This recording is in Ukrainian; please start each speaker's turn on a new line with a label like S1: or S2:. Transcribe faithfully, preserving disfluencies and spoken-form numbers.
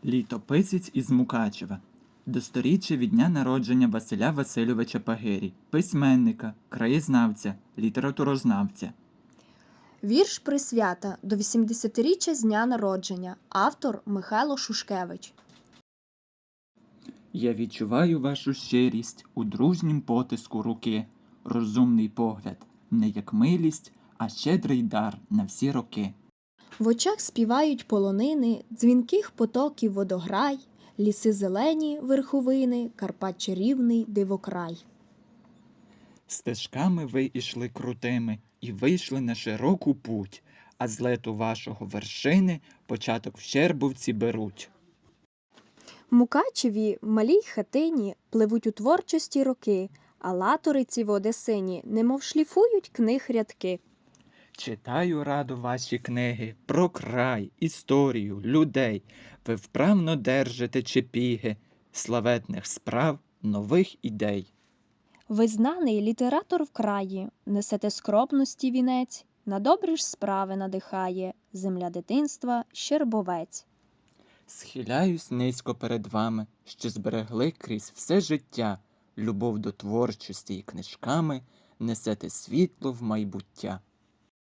S1: Літописець із Мукачева. До сторіччя від дня народження Василя Васильовича Пагирі, письменника, краєзнавця, літературознавця.
S2: Вірш присвята до вісімдесятиріччя з дня народження. Автор Михайло Шушкевич.
S1: Я відчуваю вашу щирість у дружнім потиску руки, розумний погляд, не як милість, а щедрий дар на всі роки.
S2: В очах співають полонини, дзвінких потоків водограй, ліси зелені, верховини, Карпат чарівний, дивокрай.
S1: Стежками ви ішли крутими і вийшли на широку путь, а з лету вашого вершини початок в Щербовці беруть.
S2: В Мукачеві, в малій хатині, пливуть у творчості роки, а латориці в Одесині, немов шліфують книг рядки.
S1: Читаю радо ваші книги про край, історію, людей. Ви вправно держите чепіги славетних справ, нових ідей.
S2: Ви знаний літератор в краї, несете скромності вінець, на добрі ж справи надихає земля дитинства Щербовець.
S1: Схиляюсь низько перед вами, що зберегли крізь все життя, любов до творчості і книжками, несете світло в майбуття.